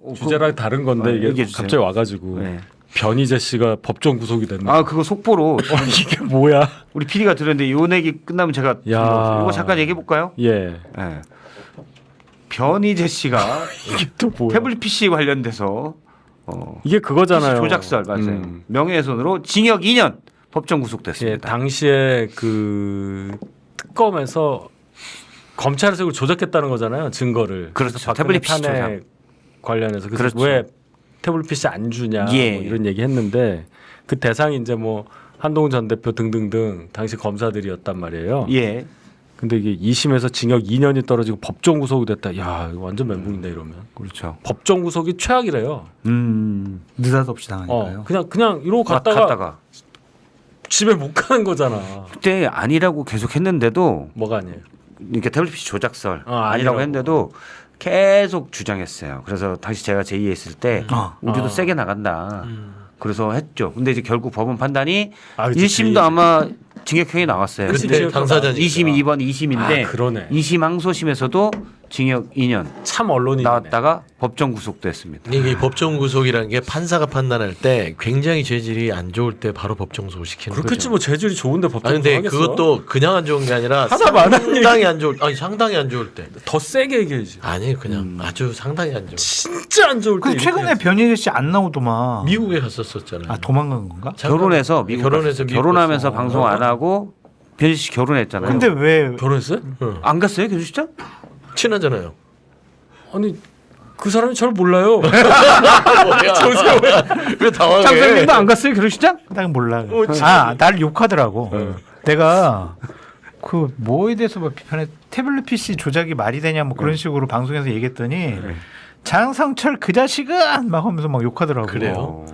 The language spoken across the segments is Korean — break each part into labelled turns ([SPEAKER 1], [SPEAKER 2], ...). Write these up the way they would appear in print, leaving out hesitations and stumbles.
[SPEAKER 1] 주제랑 다른 건데 이게 갑자기 와가지고 변희재 씨가 법정 구속이 됐네.
[SPEAKER 2] 아 그거 속보로
[SPEAKER 1] 이게 뭐야?
[SPEAKER 2] 우리 PD가 들었는데 요 얘기 끝나면 제가 이거 잠깐 얘기해 볼까요?
[SPEAKER 1] 예.
[SPEAKER 2] 변희재 씨가
[SPEAKER 1] 이게 또 뭐야?
[SPEAKER 2] 태블릿 PC 관련돼서
[SPEAKER 1] 이게 그거잖아요.
[SPEAKER 2] PC 조작설 맞아요. 명예훼손으로 징역 2년 법정 구속됐습니다.
[SPEAKER 1] 예, 당시에 그 특검에서 검찰에서 이걸 조작했다는 거잖아요. 증거를.
[SPEAKER 2] 그렇죠. 태블릿 PC 조작
[SPEAKER 1] 관련해서 그래서
[SPEAKER 2] 그렇죠.
[SPEAKER 1] 왜 태블릿 PC 안 주냐 뭐 이런 얘기 했는데 그 대상이 이제 뭐 한동훈 전 대표 등등등 당시 검사들이었단 말이에요.
[SPEAKER 2] 예.
[SPEAKER 1] 근데 이게 2심에서 징역 2년이 떨어지고 법정 구속이 됐다. 야, 이거 완전 멘붕인데 이러면.
[SPEAKER 2] 그렇죠.
[SPEAKER 1] 법정 구속이 최악이래요.
[SPEAKER 3] 느닷없이 당하니까요.
[SPEAKER 1] 그냥 이러고 갔다가 집에 못 가는 거잖아.
[SPEAKER 2] 그때 아니라고 계속 했는데도
[SPEAKER 1] 뭐가 아니에요?
[SPEAKER 2] 이렇게 태블릿 PC 조작설
[SPEAKER 1] 아니라고
[SPEAKER 2] 아니라고 했는데도 계속 주장했어요. 그래서 당시 제가 제2했을 때 우리도 세게 나간다. 그래서 했죠. 근데 이제 결국 법원 판단이 1심도 아마 징역형이 나왔어요.
[SPEAKER 4] 그때 당사자니까.
[SPEAKER 2] 2심 2번 2심인데
[SPEAKER 1] 그러네.
[SPEAKER 2] 2심 항소심에서도 징역 2년
[SPEAKER 1] 참 언론이
[SPEAKER 2] 나왔다가 법정 구속됐습니다.
[SPEAKER 4] 이게 법정 구속이라는 게 판사가 판단할 때 굉장히 죄질이 안 좋을 때 바로 법정 구속 시키는 거죠.
[SPEAKER 1] 그렇겠지 뭐 재질이 좋은데 법정
[SPEAKER 4] 아니 근데
[SPEAKER 1] 구속하겠어?
[SPEAKER 4] 그것도 그냥 안 좋은 게 아니라
[SPEAKER 1] 하다
[SPEAKER 4] 상당히 안 좋을 상당히 안 좋을 때.
[SPEAKER 1] 더 세게 얘기해야지.
[SPEAKER 4] 아니 그냥 아주 상당히 안 좋을 때.
[SPEAKER 1] 진짜 안 좋을 때.
[SPEAKER 3] 그 최근에 변희재 씨 안 나오더만.
[SPEAKER 4] 미국에 갔었잖아요.
[SPEAKER 3] 아 도망간 건가?
[SPEAKER 2] 결혼해서 미국
[SPEAKER 4] 결혼해서 미국
[SPEAKER 2] 결혼하면서
[SPEAKER 4] 갔어.
[SPEAKER 2] 방송 안 하고 변희 씨 결혼했잖아요.
[SPEAKER 3] 근데 왜
[SPEAKER 1] 결혼했어요?
[SPEAKER 2] 안 갔어요 결혼식장?
[SPEAKER 4] 친하잖아요.
[SPEAKER 1] 아니 그 사람이 저를 몰라요.
[SPEAKER 4] 왜 당황해?
[SPEAKER 2] 장선님도 안 갔어요 결혼식장?
[SPEAKER 3] 딱 몰라. 날 욕하더라고. 내가 그 뭐에 대해서 뭐 비판해 태블릿 PC 조작이 말이 되냐 뭐 그런 식으로 방송에서 얘기했더니 장성철 그 자식은 막 하면서 막 욕하더라고.
[SPEAKER 4] 그래요?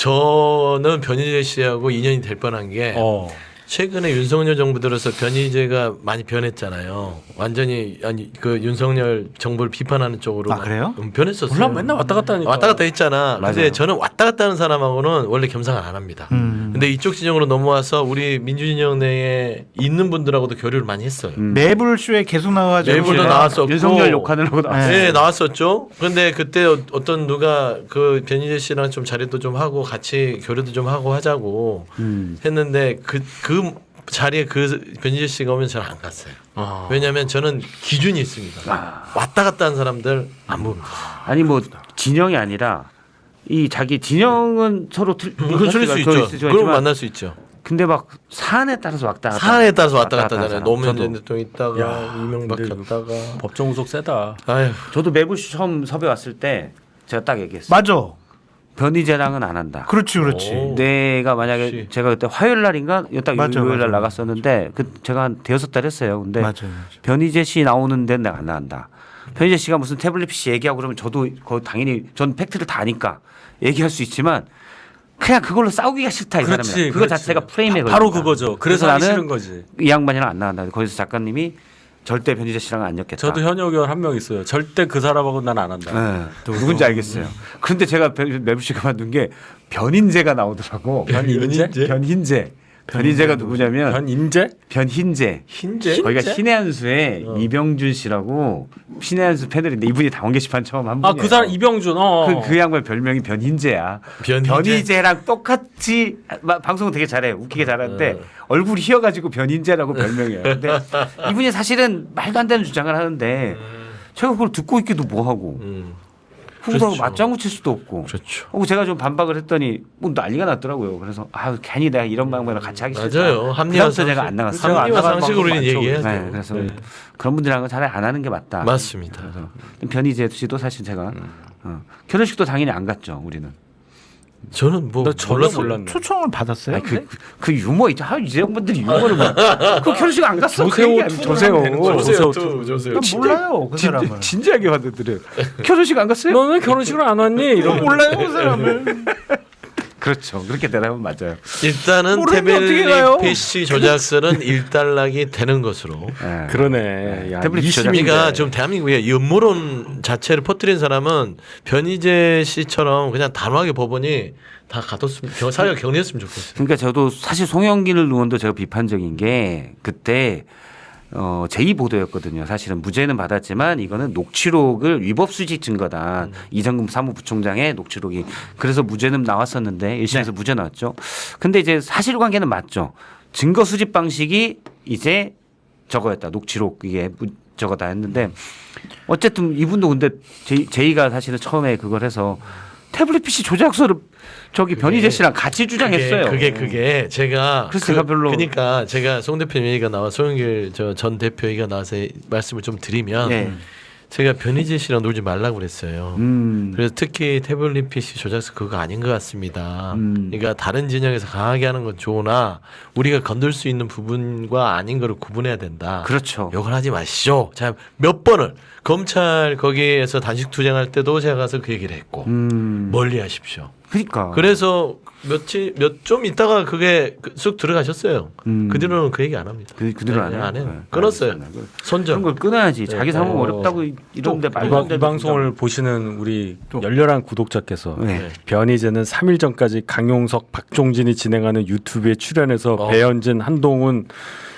[SPEAKER 4] 저는 변희재 씨하고 인연이 될 뻔한 게 최근에 윤석열 정부 들어서 변희재가 많이 변했잖아요. 완전히 아니 그 윤석열 정부를 비판하는 쪽으로.
[SPEAKER 3] 아 그래요?
[SPEAKER 4] 변했었어요.
[SPEAKER 1] 몰라 맨날 왔다 갔다 하니까.
[SPEAKER 4] 왔다 갔다 했잖아.
[SPEAKER 2] 맞아요.
[SPEAKER 4] 근데 저는 왔다 갔다 하는 사람하고는 원래 겸상을 안 합니다. 근데 이쪽 진영으로 넘어와서 우리 민주진영 내에 있는 분들하고도 교류를 많이 했어요.
[SPEAKER 3] 매불쇼에 계속 나와가지고
[SPEAKER 4] 매불도 나왔었고
[SPEAKER 2] 윤석열 욕하느라고 나왔어요.
[SPEAKER 4] 네, 나왔었죠. 그런데 그때 어떤 누가 그 변희재 씨랑 좀 자리도 좀 하고 같이 교류도 좀 하고 하자고 했는데 그 자리에 그 변희재 씨가 오면 저는 안 갔어요. 왜냐하면 저는 기준이 있습니다. 왔다 갔다 한 사람들 안 봅니다.
[SPEAKER 2] 아니 뭐 진영이 아니라 이 자기 진영은 서로
[SPEAKER 4] 그럴 수 있죠. 그럼 만날 수 있죠.
[SPEAKER 2] 근데 막 사안에 따라서 왔다 갔다.
[SPEAKER 4] 사안에 따라서 왔다 갔다 하잖아요.
[SPEAKER 2] 하잖아.
[SPEAKER 4] 노무현
[SPEAKER 2] 저도.
[SPEAKER 4] 전 대통령 있다가 이명박
[SPEAKER 1] 근데
[SPEAKER 4] 갔다가.
[SPEAKER 1] 법정 구속 세다.
[SPEAKER 4] 아휴.
[SPEAKER 2] 저도 매부시 처음 섭외 왔을 때 제가 딱 얘기했어요.
[SPEAKER 3] 맞아.
[SPEAKER 2] 변희재랑은 안 한다.
[SPEAKER 3] 그렇지.
[SPEAKER 4] 오.
[SPEAKER 2] 내가 만약에
[SPEAKER 4] 역시.
[SPEAKER 2] 제가 그때 화요일 날인가 딱
[SPEAKER 3] 맞아,
[SPEAKER 2] 요일 날
[SPEAKER 3] 맞아.
[SPEAKER 2] 나갔었는데 그 제가 한 대여섯 달 했어요. 근데
[SPEAKER 3] 맞아요.
[SPEAKER 2] 변희재 씨 나오는 데는 내가 안 나간다. 변희재 씨가 무슨 태블릿 PC 얘기하고 그러면 저도 그거 당연히 전 팩트를 다 아니까 얘기할 수 있지만 그냥 그걸로 싸우기가 싫다 이 사람이랑. 그거 자체가 프레임에 걸린다.
[SPEAKER 1] 바로 그거죠. 그래서 하기 싫은
[SPEAKER 2] 나는
[SPEAKER 1] 거지.
[SPEAKER 2] 이 양반이랑 안 나간다. 거기서 작가님이 절대 변희재 씨랑은 안 엮겠다.
[SPEAKER 1] 저도 현역 의원 한 명 있어요. 절대 그 사람하고 난 안 한다.
[SPEAKER 2] 네, 누군지 알겠어요. 그런데 제가 매부 씨가 만든 게 변인재가 나오더라고.
[SPEAKER 1] 변인재?
[SPEAKER 2] 변흰재. 변인재가 누구냐면
[SPEAKER 1] 변인재?
[SPEAKER 2] 변흰재.
[SPEAKER 4] 흰재?
[SPEAKER 2] 거기가 신의 한수의 이병준 씨라고 신의 한수 패널인데 이분이 당원 게시판 처음 한 분이에요.
[SPEAKER 1] 그 사람 이병준.
[SPEAKER 2] 그 양반 별명이 변흰재야.
[SPEAKER 4] 변희재?
[SPEAKER 2] 변희재랑 똑같이 방송 되게 잘해. 웃기게 잘하는데 얼굴이 휘어가지고 변흰재라고 별명이에요. 근데 이분이 사실은 말도 안 되는 주장을 하는데 제가 그걸 듣고 있기도 뭐하고 후보하고
[SPEAKER 4] 그렇죠.
[SPEAKER 2] 맞장구 칠 수도 없고.
[SPEAKER 4] 그렇죠.
[SPEAKER 2] 제가 좀 반박을 했더니 뭐 난리가 났더라고요. 그래서 괜히 내가 이런 방법을 같이 하기 싫다.
[SPEAKER 4] 맞아요. 합리화
[SPEAKER 2] 그래서 제가 안 나갔어요.
[SPEAKER 4] 합리화 상식으로 우리는 얘기해야죠.
[SPEAKER 2] 네, 그래서 그런 분들하고 차라리 안 하는 게 맞다.
[SPEAKER 4] 맞습니다.
[SPEAKER 2] 그래서 변희재 씨도 사실 제가 결혼식도 당연히 안 갔죠. 우리는.
[SPEAKER 4] 저는 뭐
[SPEAKER 1] 나 전혀
[SPEAKER 4] 몰랐어요.
[SPEAKER 1] 몰랐네.
[SPEAKER 3] 초청을 받았어요?
[SPEAKER 2] 아니, 그 유머 있죠. 이 양반들이 유머를 그 결혼식 안 갔어.
[SPEAKER 1] 조세호
[SPEAKER 2] 조세호.
[SPEAKER 4] 조세호.
[SPEAKER 3] 난 몰라요 그 사람을.
[SPEAKER 2] 진지하게 받아들여요. 결혼식 안 갔어요?
[SPEAKER 1] 너는 결혼식을 안 왔니? 이런
[SPEAKER 3] 몰라요 그 사람을.
[SPEAKER 2] 그렇죠. 그렇게 대답하면 맞아요.
[SPEAKER 4] 일단은
[SPEAKER 3] 모르는데 어떻게 가요?
[SPEAKER 4] 태블릿 PC 조작설은 일단락이 되는 것으로.
[SPEAKER 2] 네.
[SPEAKER 1] 그러네. 야,
[SPEAKER 2] 태블릿
[SPEAKER 4] 이심이가 좀 대한민국에 음모론 자체를 퍼뜨린 사람은 변희재 씨처럼 그냥 단호하게 법원이 다 가뒀으면 사회가 격리했으면 좋겠어요.
[SPEAKER 2] 그러니까 저도 사실 송영길 의원도 제가 비판적인 게 그때 제2 보도였거든요. 사실은 무죄는 받았지만 이거는 녹취록을 위법 수집 증거다. 이정금 사무부총장의 녹취록이 그래서 무죄는 나왔었는데 1심에서 무죄 나왔죠. 근데 이제 사실관계는 맞죠. 증거 수집 방식이 이제 저거였다. 녹취록 이게 저거다 했는데 어쨌든 이분도 근데 제이가 사실은 처음에 그걸 해서 태블릿 PC 조작서를 저기 변희재 씨랑 같이 주장했어요.
[SPEAKER 4] 그게 제가
[SPEAKER 2] 그래서 제가 별로
[SPEAKER 4] 그러니까 제가 송 대표 얘기가 나와 송영길 전 대표 얘기가 나와서 말씀을 좀 드리면
[SPEAKER 2] 네.
[SPEAKER 4] 제가 변희재 씨랑 놀지 말라고 그랬어요. 그래서 특히 태블릿 PC 조작서 그거 아닌 것 같습니다. 그러니까 다른 진영에서 강하게 하는 건 좋으나 우리가 건들 수 있는 부분과 아닌 거를 구분해야 된다.
[SPEAKER 2] 그렇죠.
[SPEAKER 4] 욕을 하지 마시죠. 자, 몇 번을 검찰 거기에서 단식 투쟁할 때도 제가 가서 그 얘기를 했고 멀리 하십시오.
[SPEAKER 2] 그러니까.
[SPEAKER 4] 그래서 좀 있다가 그게 쑥 들어가셨어요. 그 뒤로는 그 얘기 안 합니다.
[SPEAKER 2] 그대로 안 해요.
[SPEAKER 4] 안 해요.
[SPEAKER 2] 네.
[SPEAKER 4] 끊었어요.
[SPEAKER 2] 그런
[SPEAKER 4] 손절.
[SPEAKER 2] 걸 끊어야지. 자기 사무 어렵다고 이런데 말도 안
[SPEAKER 1] 이
[SPEAKER 2] 되는
[SPEAKER 1] 방송을 보시는 우리 열렬한 구독자께서
[SPEAKER 2] 네.
[SPEAKER 1] 변희재는 3일 전까지 강용석, 박종진이 진행하는 유튜브에 출연해서 배현진, 한동훈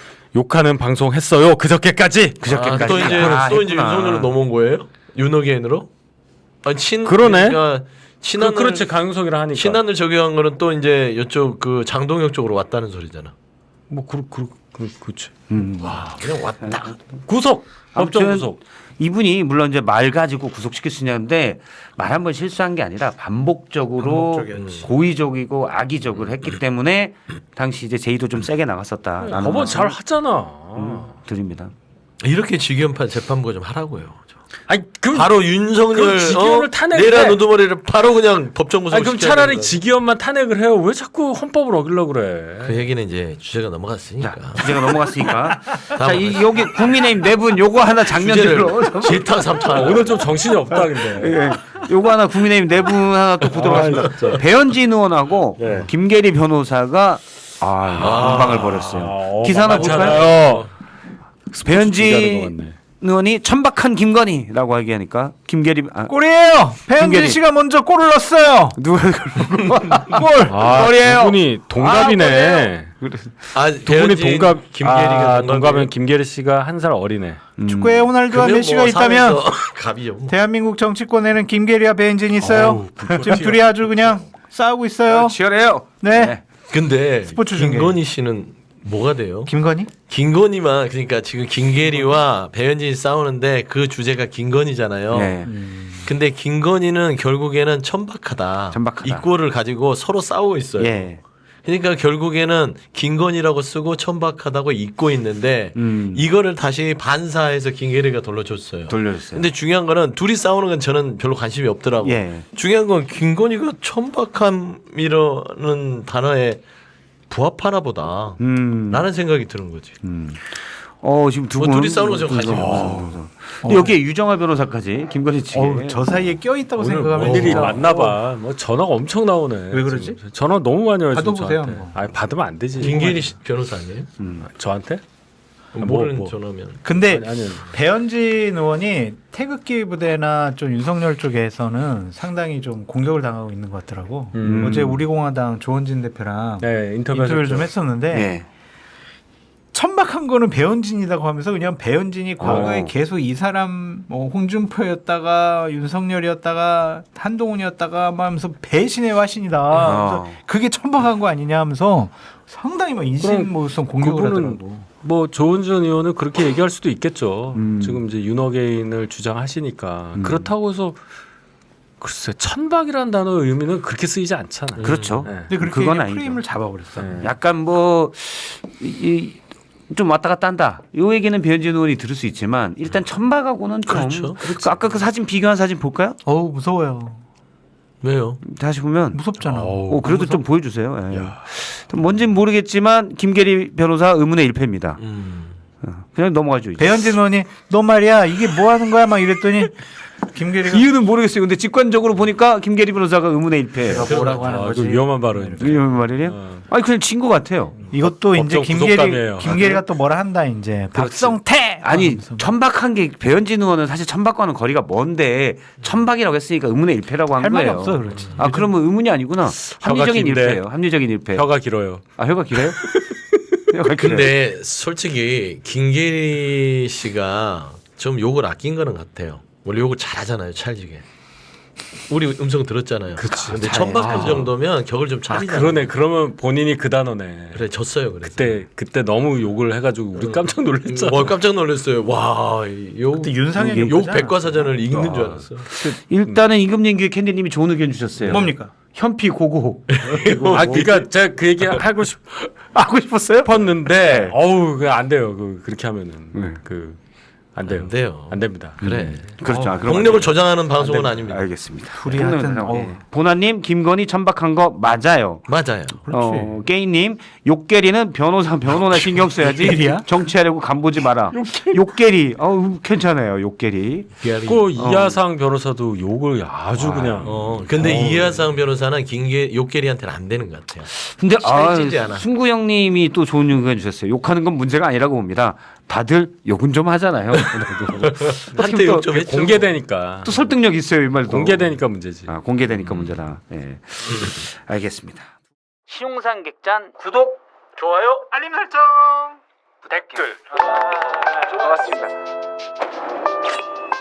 [SPEAKER 1] 욕하는 방송 했어요. 그저께까지.
[SPEAKER 2] 그저께까지.
[SPEAKER 4] 또 이제 윤석열로 넘어온 거예요? 윤호개인으로? 아니
[SPEAKER 1] 그러네.
[SPEAKER 4] 그러니까 친한을
[SPEAKER 1] 그렇지 강용석이라 하니까.
[SPEAKER 4] 친한을 적용한 거는 또 이제 이쪽 그 장동혁 쪽으로 왔다는 소리잖아.
[SPEAKER 1] 뭐 그렇지.
[SPEAKER 4] 와 그냥 왔다.
[SPEAKER 1] 구속. 법정
[SPEAKER 2] 아무튼
[SPEAKER 1] 구속.
[SPEAKER 2] 이분이 물론 이제 말 가지고 구속시킬 수 있는데 말 한 번 실수한 게 아니라 반복적으로
[SPEAKER 3] 반복적이었지.
[SPEAKER 2] 고의적이고 악의적으로 했기 때문에 당시 이제 제의도 좀 세게 나갔었다.
[SPEAKER 1] 법원 잘 하잖아.
[SPEAKER 2] 드립니다.
[SPEAKER 4] 이렇게 직위원판 재판부 좀 하라고요.
[SPEAKER 1] 아니
[SPEAKER 4] 바로 윤석열
[SPEAKER 1] 그 직위원을 탄핵을
[SPEAKER 4] 내란
[SPEAKER 1] 해.
[SPEAKER 4] 우두머리를 바로 그냥 법정 구속.
[SPEAKER 1] 아니 그럼 차라리 직위원만 탄핵을 해요. 왜 자꾸 헌법을 어기려고 그래?
[SPEAKER 4] 그 얘기는 이제 주제가 넘어갔으니까.
[SPEAKER 2] 주제가 넘어갔으니까. 자, 여기 국민의힘 네 분 요거 하나 장면들로.
[SPEAKER 4] 질타 삼타.
[SPEAKER 1] 오늘 좀 정신이 없다 근데.
[SPEAKER 2] 예. 요거 하나 국민의힘 네 분 하나 또 보도록 하겠습니다. 배현진 의원하고
[SPEAKER 1] 예.
[SPEAKER 2] 김계리 변호사가 공방을 벌였어요. 기사 하나 볼까요?
[SPEAKER 1] 맞잖아요.
[SPEAKER 2] 배현진 의원이 천박한 김건희라고 얘기하니까 김계리
[SPEAKER 3] 골이에요. 배현진
[SPEAKER 2] 김계리.
[SPEAKER 3] 씨가 먼저 골을 넣었어요.
[SPEAKER 2] 누가 그걸
[SPEAKER 3] 골.
[SPEAKER 2] 골이에요.
[SPEAKER 1] 두 분이 동갑이네.
[SPEAKER 2] 골이에요.
[SPEAKER 1] 두 분이 동갑.
[SPEAKER 4] 김계리가
[SPEAKER 1] 동갑은 김계리 씨가 한 살 어리네.
[SPEAKER 3] 축구에 호날두와 메시가 있다면
[SPEAKER 4] 갑이죠. 뭐.
[SPEAKER 3] 대한민국 정치권에는 김계리와 배현진이 있어요. 지금 둘이 아주 그냥 싸우고 있어요.
[SPEAKER 2] 치열해요.
[SPEAKER 3] 네.
[SPEAKER 4] 근데
[SPEAKER 3] 스포츠 중계.
[SPEAKER 4] 김건희 씨는 뭐가 돼요?
[SPEAKER 3] 김건희?
[SPEAKER 4] 김건희만 그러니까 지금 김계리와 배현진이 싸우는데 그 주제가 김건희잖아요.
[SPEAKER 2] 네.
[SPEAKER 4] 근데 김건희는 결국에는 천박하다.
[SPEAKER 2] 천박하다.
[SPEAKER 4] 이 꼴을 가지고 서로 싸우고 있어요.
[SPEAKER 2] 예.
[SPEAKER 4] 그러니까 결국에는 김건희라고 쓰고 천박하다고 잊고 있는데 이거를 다시 반사해서 김계리가 돌려줬어요.
[SPEAKER 2] 돌려줬어요.
[SPEAKER 4] 근데 중요한 거는 둘이 싸우는 건 저는 별로 관심이 없더라고요.
[SPEAKER 2] 예.
[SPEAKER 4] 중요한 건 김건희가 천박함이라는 단어에 부합하나 보다. 라는 생각이 드는 거지.
[SPEAKER 2] 지금 두
[SPEAKER 4] 뭐
[SPEAKER 2] 분.
[SPEAKER 4] 둘이 싸우는 거 저 관심이 없어.
[SPEAKER 2] 근데 여기에 유정화 변호사까지 김건희 측에.
[SPEAKER 3] 저 사이에 껴 있다고
[SPEAKER 1] 오늘
[SPEAKER 3] 생각하면
[SPEAKER 1] 일이
[SPEAKER 3] 진짜-
[SPEAKER 1] 많나 봐. 뭐 전화가 엄청 나오네.
[SPEAKER 3] 왜 그러지?
[SPEAKER 1] 지금. 전화 너무 많이 와요. 지금
[SPEAKER 3] 받아보세요,
[SPEAKER 1] 저한테.
[SPEAKER 3] 한번.
[SPEAKER 1] 아니 받으면 안 되지.
[SPEAKER 4] 김계리 변호사 아니에요?
[SPEAKER 1] 저한테?
[SPEAKER 4] 모르는
[SPEAKER 1] 뭐.
[SPEAKER 4] 전화면.
[SPEAKER 3] 근데
[SPEAKER 1] 아니.
[SPEAKER 3] 배현진 의원이 태극기 부대나 좀 윤석열 쪽에서는 상당히 좀 공격을 당하고 있는 것 같더라고. 어제 우리공화당 조원진 대표랑
[SPEAKER 1] 네,
[SPEAKER 3] 인터뷰를 좀 했었는데
[SPEAKER 2] 예.
[SPEAKER 3] 천박한 거는 배현진이라고 하면서 그냥 배현진이 과거에
[SPEAKER 2] 어.
[SPEAKER 3] 계속 이 사람 뭐 홍준표였다가 윤석열이었다가 한동훈이었다가 막 하면서 배신의 화신이다. 그래서 그게 천박한 거 아니냐 하면서 상당히 막 인신모성 공격을
[SPEAKER 1] 그분은
[SPEAKER 3] 하더라고.
[SPEAKER 1] 뭐 조은준 의원은 그렇게 얘기할 수도 있겠죠. 지금 이제 윤어게인을 주장하시니까 그렇다고 해서 글쎄 천박이라는 단어의 의미는 그렇게 쓰이지 않잖아요.
[SPEAKER 2] 그렇죠.
[SPEAKER 1] 네.
[SPEAKER 3] 근데 그렇게
[SPEAKER 2] 그건
[SPEAKER 3] 그냥
[SPEAKER 2] 아니죠.
[SPEAKER 3] 프레임을 잡아버렸어.
[SPEAKER 1] 네.
[SPEAKER 2] 약간 뭐 좀 왔다 갔다 한다. 요 얘기는 배현진 의원이 들을 수 있지만 일단 천박하고는 좀.
[SPEAKER 4] 그렇죠.
[SPEAKER 2] 그 아까 그 사진 비교한 사진 볼까요?
[SPEAKER 3] 어우 무서워요.
[SPEAKER 4] 왜요?
[SPEAKER 2] 다시 보면.
[SPEAKER 3] 무섭잖아.
[SPEAKER 2] 그래도 좀 보여주세요. 예. 뭔지는 모르겠지만 김계리 변호사 의문의 일패입니다. 그냥 넘어가죠. 이제.
[SPEAKER 3] 배현진 의원이 너 말이야 이게 뭐 하는 거야 막 이랬더니 김계리가
[SPEAKER 2] 이유는 모르겠어요. 근데 직관적으로 보니까 김계리 변호사가 의문의 일패예요.
[SPEAKER 3] 뭐라고 하는
[SPEAKER 1] 아,
[SPEAKER 3] 거지?
[SPEAKER 1] 그 위험한 발언입니다.
[SPEAKER 2] 이런 말이에요? 아니 그냥 진 것 같아요.
[SPEAKER 3] 이것도 이제
[SPEAKER 1] 법정 구속감이에요.
[SPEAKER 3] 김계리가 또 뭐라 한다 이제 박성태
[SPEAKER 2] 아니
[SPEAKER 3] 하면서.
[SPEAKER 2] 천박한 게 배현진 의원은 사실 천박과는 거리가 먼데 천박이라고 했으니까 의문의 일패라고 한
[SPEAKER 3] 할 말이
[SPEAKER 2] 거예요.
[SPEAKER 3] 없어 그렇지.
[SPEAKER 2] 아 그러면 의문이 아니구나. 합리적인
[SPEAKER 1] 긴데.
[SPEAKER 2] 일패예요. 합리적인 일패.
[SPEAKER 1] 혀가 길어요.
[SPEAKER 2] 아 혀가 길어요?
[SPEAKER 4] 근데 솔직히 김계리 씨가 좀 욕을 아낀 거는 같아요. 원래 욕을 잘하잖아요, 찰지게. 우리 음성 들었잖아요. 근데 천박한 정도면 격을 좀 차리잖아요.
[SPEAKER 1] 그러네. 그러면 본인이 그 단어네.
[SPEAKER 4] 그래 졌어요. 그래서.
[SPEAKER 1] 그때 너무 욕을 해가지고 우리 깜짝 놀랐잖아.
[SPEAKER 4] 깜짝 놀랐어요. 와, 욕
[SPEAKER 3] 그때 윤상현이
[SPEAKER 4] 욕 백과사전을 읽는 줄 알았어.
[SPEAKER 2] 일단은 임금님규 캔디님이 좋은 의견 주셨어요.
[SPEAKER 3] 뭡니까?
[SPEAKER 2] 현피 고고.
[SPEAKER 1] 그러니까 제가 그 얘기 하고
[SPEAKER 2] 하고 싶었어요?
[SPEAKER 1] 싶었는데, 어우, 안 돼요. 그렇게 하면은
[SPEAKER 2] 네.
[SPEAKER 1] 안 돼요.
[SPEAKER 4] 안 돼요.
[SPEAKER 1] 안 됩니다.
[SPEAKER 4] 그래.
[SPEAKER 2] 그렇죠. 아, 그럼
[SPEAKER 4] 폭력을
[SPEAKER 2] 안 돼요.
[SPEAKER 4] 조장하는 방송은 아닙니다.
[SPEAKER 2] 알겠습니다.
[SPEAKER 3] 둘이 하여튼,
[SPEAKER 2] 보나님 김건희 천박한 거 맞아요.
[SPEAKER 4] 맞아요.
[SPEAKER 3] 그렇지.
[SPEAKER 2] 게이님 욕계리는 변호나 신경 써야지.
[SPEAKER 3] 욕계리야?
[SPEAKER 2] 정치하려고 간보지 마라. 욕계리. 괜찮아요. 욕계리.
[SPEAKER 1] 그 이하상 변호사도 욕을 아주 그냥.
[SPEAKER 4] 근데 이하상 변호사는 욕계리한테는 안 되는 것 같아요.
[SPEAKER 2] 근데
[SPEAKER 4] 찰지지 않아.
[SPEAKER 2] 승구 형님이 또 좋은 의견 주셨어요. 욕하는 건 문제가 아니라고 봅니다. 다들 욕은 좀 하잖아요.
[SPEAKER 4] 한때 욕 좀 했죠.
[SPEAKER 1] 공개되니까.
[SPEAKER 2] 또 설득력 있어요 이 말도.
[SPEAKER 1] 공개되니까 문제지.
[SPEAKER 2] 공개되니까 문제다. 예. 알겠습니다. 시용상 객잔 구독, 좋아요, 알림 설정, 댓글. 반갑습니다.